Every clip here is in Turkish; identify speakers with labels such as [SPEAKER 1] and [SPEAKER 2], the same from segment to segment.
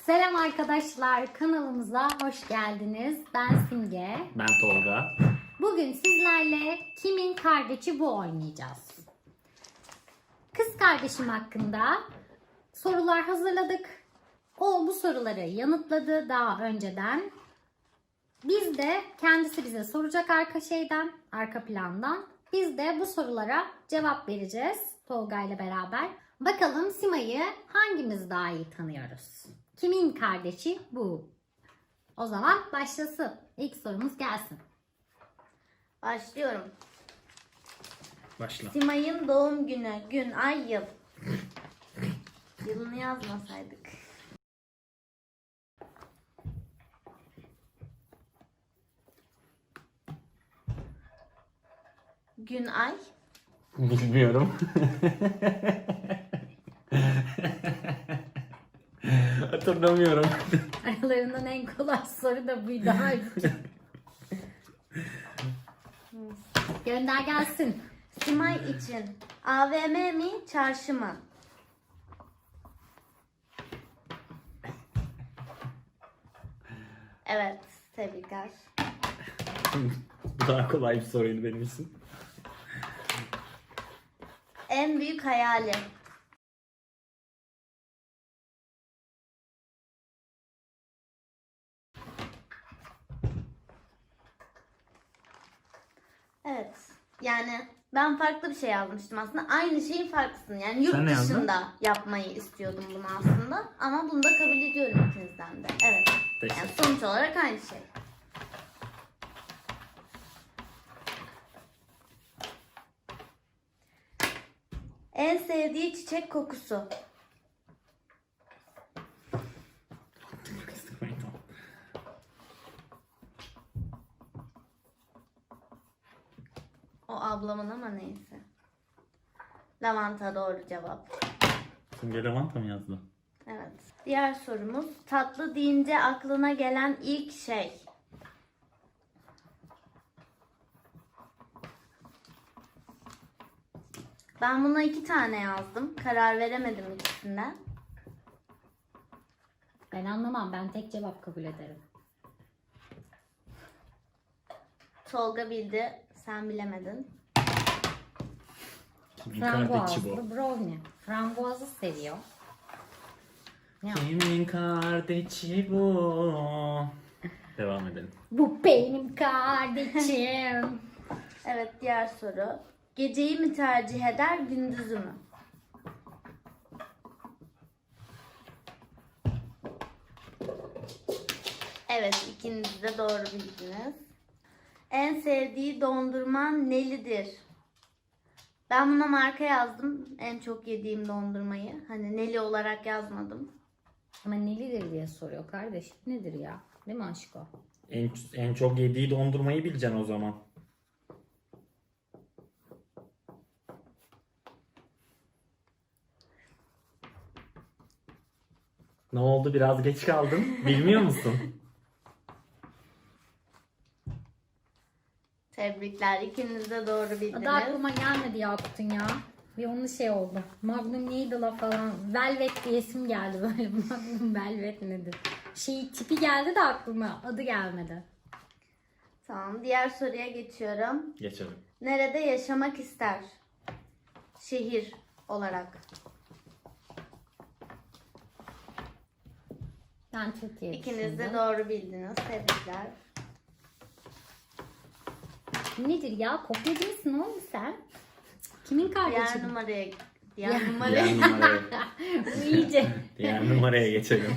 [SPEAKER 1] Selam arkadaşlar, kanalımıza hoş geldiniz. Ben Simge.
[SPEAKER 2] Ben Tolga.
[SPEAKER 1] Bugün sizlerle Kimin Kardeşi Bu oynayacağız. Kız kardeşim hakkında sorular hazırladık. O bu soruları yanıtladı daha önceden. Biz de kendisi bize soracak arka plandan. Biz de bu sorulara cevap vereceğiz Tolga ile beraber. Bakalım Sima'yı hangimiz daha iyi tanıyoruz? Kimin kardeşi bu? O zaman başlasın. İlk sorumuz gelsin.
[SPEAKER 3] Başlıyorum.
[SPEAKER 2] Başla.
[SPEAKER 3] Simay'ın doğum günü, gün, ay, yıl. Yılını yazmasaydık. Gün, ay.
[SPEAKER 2] Bilmiyorum. Hatırlamıyorum.
[SPEAKER 1] Aralarından en kolay soru da buydu. Halbuki. Gönder gelsin.
[SPEAKER 3] Simay için AVM mi, çarşı mı? Evet, tebrikler.
[SPEAKER 2] Bu daha kolay bir soruydu benim için.
[SPEAKER 3] En büyük hayali. Evet. Yani ben farklı bir şey yazmıştım aslında. Aynı şeyin farklısını. Yani yurt
[SPEAKER 2] Sen ne yazdın?
[SPEAKER 3] dışında yapmayı istiyordum bunu aslında. Ama bunu da kabul ediyorum ikinizden de. Evet. Yani
[SPEAKER 2] Teşekkür.
[SPEAKER 3] sonuç olarak aynı şey. En sevdiği çiçek kokusu. O ablamın ama neyse. Lavanta doğru cevap.
[SPEAKER 2] Simge lavanta mı yazdı?
[SPEAKER 3] Evet. Diğer sorumuz. Tatlı deyince aklına gelen ilk şey. Ben buna 2 tane yazdım. Karar veremedim ikisinden.
[SPEAKER 1] Ben anlamam. Ben tek cevap kabul ederim.
[SPEAKER 3] Tolga bildi. Sen bilemedin.
[SPEAKER 2] Kimin kardeşi bu?
[SPEAKER 1] Frambuazlı brownie. Frambuazı seviyor. Ya.
[SPEAKER 2] Kimin kardeşi bu? Devam edelim.
[SPEAKER 1] Bu benim kardeşim.
[SPEAKER 3] Evet, diğer soru. Geceyi mi tercih eder, gündüzü mü? Evet, ikiniz de doğru bildiniz. En sevdiği dondurman nelidir? Ben buna marka yazdım. En çok yediğim dondurmayı. Hani neli olarak yazmadım.
[SPEAKER 1] Ama nelidir diye soruyor kardeş. Nedir ya? Değil mi aşko?
[SPEAKER 2] En çok yediği dondurmayı bileceksin o zaman. Ne oldu? Biraz geç kaldın. Bilmiyor musun?
[SPEAKER 3] Tebrikler. İkiniz de doğru
[SPEAKER 1] Adı
[SPEAKER 3] bildiniz.
[SPEAKER 1] aklıma gelmedi Yakut'un ya. Bir onun şey oldu. Magnum neydi la falan. Velvet diyesim geldi böyle. Magnum Velvet nedir? Tipi geldi de aklıma. Adı gelmedi.
[SPEAKER 3] Tamam. Diğer soruya geçiyorum.
[SPEAKER 2] Geçelim.
[SPEAKER 3] Nerede yaşamak ister? Şehir olarak.
[SPEAKER 1] Ben Türkiye
[SPEAKER 3] İkiniz de
[SPEAKER 1] düşündüm.
[SPEAKER 3] doğru bildiniz. Tebrikler.
[SPEAKER 1] Nedir ya? Kopyacı mısın oğlum sen? Kimin kardeşi?
[SPEAKER 3] Diğer numaraya
[SPEAKER 2] Diğer
[SPEAKER 3] numaraya.
[SPEAKER 2] numaraya,
[SPEAKER 1] Bu iyice.
[SPEAKER 2] diğer numaraya geçelim.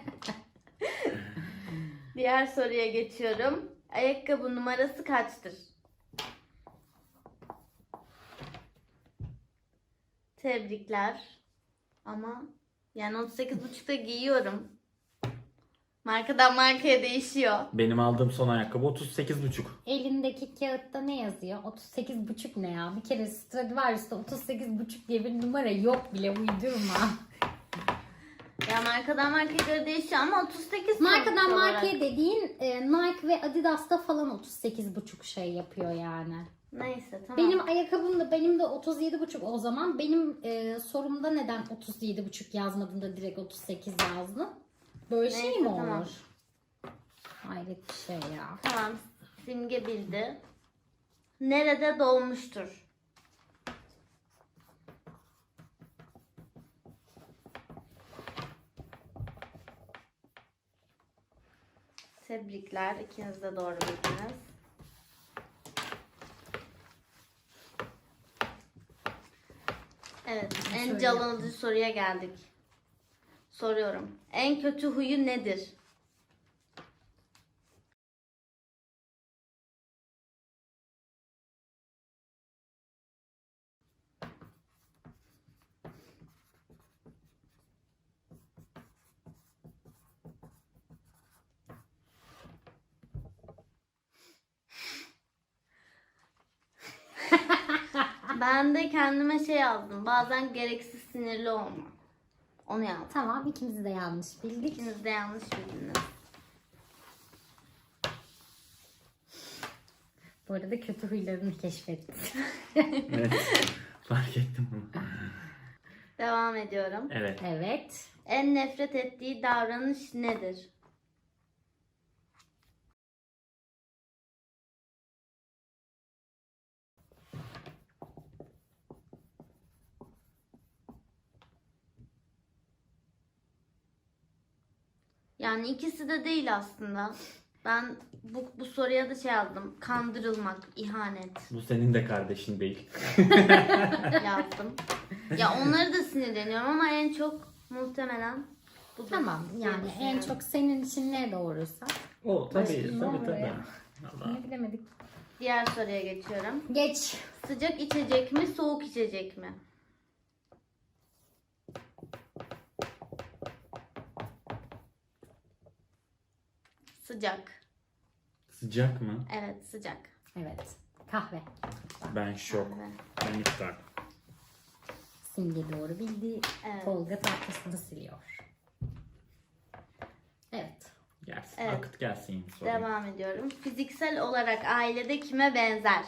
[SPEAKER 3] Diğer soruya geçiyorum. Ayakkabı numarası kaçtır? Tebrikler. Ama yani 38,5'ta giyiyorum. Markadan markaya değişiyor.
[SPEAKER 2] Benim aldığım son ayakkabı 38,5.
[SPEAKER 1] Elindeki kağıtta ne yazıyor? 38,5 ne ya? Bir kere Stradivarius'ta 38,5 diye bir numara yok bile, uydurma.
[SPEAKER 3] Ya markadan markaya göre değişiyor ama 38
[SPEAKER 1] Markadan
[SPEAKER 3] sonuç olarak.
[SPEAKER 1] markaya dediğin Nike ve Adidas'ta falan 38,5 şey yapıyor yani.
[SPEAKER 3] Neyse tamam.
[SPEAKER 1] Benim ayakkabım da benim de 37,5 o zaman. Benim sorumda neden 37,5 yazmadın da direkt 38 yazdın? Böyle şey
[SPEAKER 3] Neyse,
[SPEAKER 1] mi olur?
[SPEAKER 3] tamam.
[SPEAKER 1] Hayret bir şey ya.
[SPEAKER 3] Tamam. Simge bildi. Nerede doğmuştur? Tebrikler. İkiniz de doğru bildiniz. Evet. En
[SPEAKER 1] Şöyle
[SPEAKER 3] can
[SPEAKER 1] yapayım.
[SPEAKER 3] alıcı soruya geldik. Soruyorum. En kötü huyu nedir? Ben de kendime şey yazdım. Bazen gereksiz sinirli olma. Onu yazdım.
[SPEAKER 1] Tamam, ikimiz de yanlış bildik.
[SPEAKER 3] İkiniz de yanlış bildiniz.
[SPEAKER 1] Bu arada kötü huylarını keşfettik.
[SPEAKER 2] Evet. Fark ettim onu.
[SPEAKER 3] Devam ediyorum.
[SPEAKER 2] Evet.
[SPEAKER 1] Evet.
[SPEAKER 3] En nefret ettiği davranış nedir? Yani ikisi de değil aslında. Ben bu soruya da şey yazdım. Kandırılmak, ihanet
[SPEAKER 2] Bu senin de kardeşin değil.
[SPEAKER 3] yazdım. Ya onları da sinirleniyorum ama en çok muhtemelen bu.
[SPEAKER 1] Tamam, yani en çok senin için ne doğruysa.
[SPEAKER 2] O
[SPEAKER 1] Başka
[SPEAKER 2] tabii
[SPEAKER 1] ne
[SPEAKER 2] tabii
[SPEAKER 1] olur
[SPEAKER 2] tabii.
[SPEAKER 1] ya?
[SPEAKER 2] Allah.
[SPEAKER 1] Ne bilemedik.
[SPEAKER 3] Diğer soruya geçiyorum.
[SPEAKER 1] Geç.
[SPEAKER 3] Sıcak içecek mi, soğuk içecek mi? Sıcak.
[SPEAKER 2] Sıcak mı?
[SPEAKER 3] Evet, sıcak.
[SPEAKER 1] Evet. Kahve.
[SPEAKER 2] Ben şok.
[SPEAKER 3] Kahve.
[SPEAKER 2] Ben iftar.
[SPEAKER 1] Simge doğru bildi.
[SPEAKER 3] Evet.
[SPEAKER 1] Tolga tatlısını siliyor. Evet.
[SPEAKER 2] Gelsin.
[SPEAKER 3] Evet.
[SPEAKER 2] Akıt gelsin soru.
[SPEAKER 3] Devam ediyorum. Fiziksel olarak ailede kime benzer?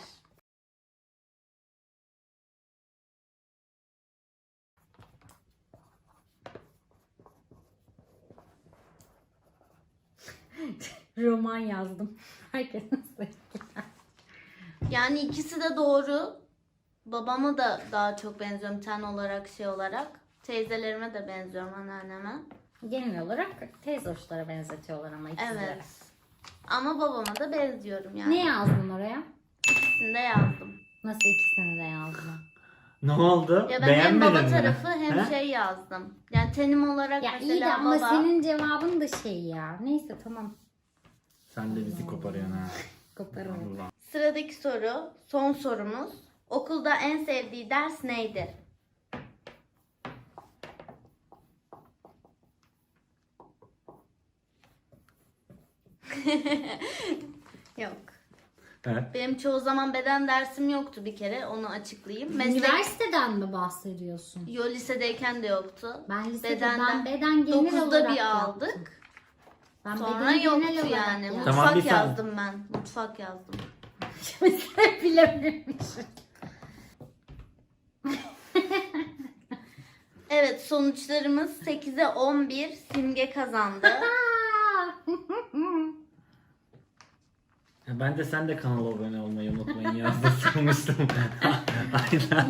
[SPEAKER 1] Roman yazdım. Herkesin sevgili.
[SPEAKER 3] Yani ikisi de doğru. Babama da daha çok benziyorum ten olarak, şey olarak. Teyzelerime de benziyorum, anneanneme.
[SPEAKER 1] Genel olarak teyze hoşlara benzetiyorlar ama ikisi de.
[SPEAKER 3] Evet. Ama babama da benziyorum yani.
[SPEAKER 1] Ne yazdın oraya?
[SPEAKER 3] İkisini de yazdım.
[SPEAKER 1] Nasıl ikisini de yazdın?
[SPEAKER 2] Ne oldu?
[SPEAKER 3] Ya ben hem
[SPEAKER 2] Beğenmedin
[SPEAKER 3] baba
[SPEAKER 2] mi?
[SPEAKER 3] tarafı hem
[SPEAKER 2] He?
[SPEAKER 3] şey yazdım. Yani tenim olarak
[SPEAKER 1] Ya
[SPEAKER 3] mesela
[SPEAKER 1] iyi de ama
[SPEAKER 3] baba.
[SPEAKER 1] senin cevabın da şey ya. Neyse tamam.
[SPEAKER 2] Sen de bizi koparıyorsun ha.
[SPEAKER 1] Koparım.
[SPEAKER 2] Allah.
[SPEAKER 3] Sıradaki soru, son sorumuz. Okulda en sevdiği ders neydi? Yok.
[SPEAKER 2] Evet.
[SPEAKER 3] Benim çoğu zaman beden dersim yoktu bir kere. Onu açıklayayım. Meslek,
[SPEAKER 1] Üniversiteden mi bahsediyorsun?
[SPEAKER 3] yo lisedeyken de yoktu.
[SPEAKER 1] Ben lisede
[SPEAKER 3] Bedenden
[SPEAKER 1] ben beden genel
[SPEAKER 3] 9'da
[SPEAKER 1] olarak
[SPEAKER 3] bir
[SPEAKER 1] yaptım.
[SPEAKER 3] aldık.
[SPEAKER 1] Ben
[SPEAKER 3] Sonra
[SPEAKER 1] beden
[SPEAKER 3] yoktu
[SPEAKER 1] genel olarak
[SPEAKER 3] yani.
[SPEAKER 1] yaptım.
[SPEAKER 2] Tamam,
[SPEAKER 3] Mutfak
[SPEAKER 2] bir saniye.
[SPEAKER 3] yazdım ben. Mutfak yazdım.
[SPEAKER 1] Mesela bilememişim.
[SPEAKER 3] Evet, sonuçlarımız 8'e 11. Simge kazandı.
[SPEAKER 2] Ben de sen de kanala abone olmayı unutmayın yazdı sanmıştım. Aynen.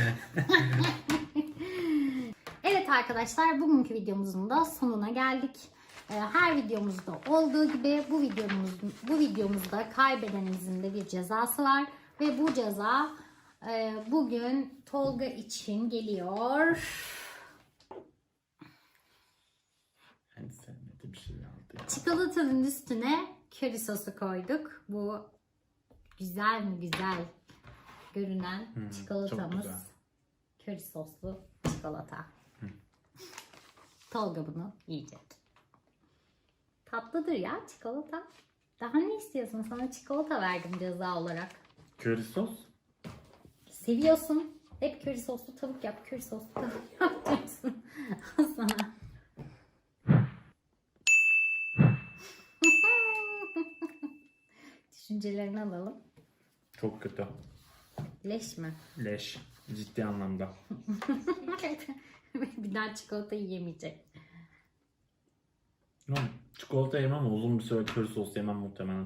[SPEAKER 1] Evet arkadaşlar, bugünkü videomuzun da sonuna geldik. Her videomuzda olduğu gibi bu videomuzda kaybedenimizin de bir cezası var ve bu ceza bugün Tolga için geliyor.
[SPEAKER 2] En sevmediğim şey aldı ya.
[SPEAKER 1] Çikolatanın üstüne köri sosu koyduk. Bu güzel mi güzel görünen
[SPEAKER 2] çok
[SPEAKER 1] çikolatamız.
[SPEAKER 2] güzel.
[SPEAKER 1] Köri soslu çikolata. Tolga bunu yiyecek. Tatlıdır ya çikolata. Daha ne istiyorsun? Sana çikolata verdim ceza olarak.
[SPEAKER 2] Köri sos?
[SPEAKER 1] Seviyorsun. Hep köri soslu tavuk yap, köri soslu tavuk yap diyorsun. Al sana. Düşüncelerini alalım.
[SPEAKER 2] Çok kötü.
[SPEAKER 1] Leş mi?
[SPEAKER 2] Leş. Ciddi anlamda.
[SPEAKER 1] Bir daha çikolata yiyemeyecek.
[SPEAKER 2] Çikolata yemem ama uzun bir süre köri sos yemem muhtemelen.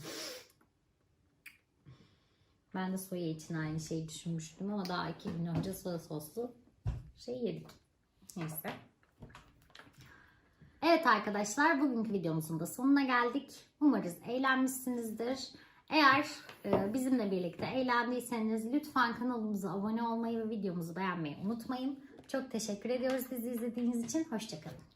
[SPEAKER 1] Ben de soya için aynı şeyi düşünmüştüm ama daha 2 gün önce soya soslu şey yedik. Neyse. Evet arkadaşlar, bugünkü videomuzun da sonuna geldik. Umarız eğlenmişsinizdir. Eğer bizimle birlikte eğlendiyseniz lütfen kanalımıza abone olmayı ve videomuzu beğenmeyi unutmayın. Çok teşekkür ediyoruz bizi izlediğiniz için. Hoşça kalın.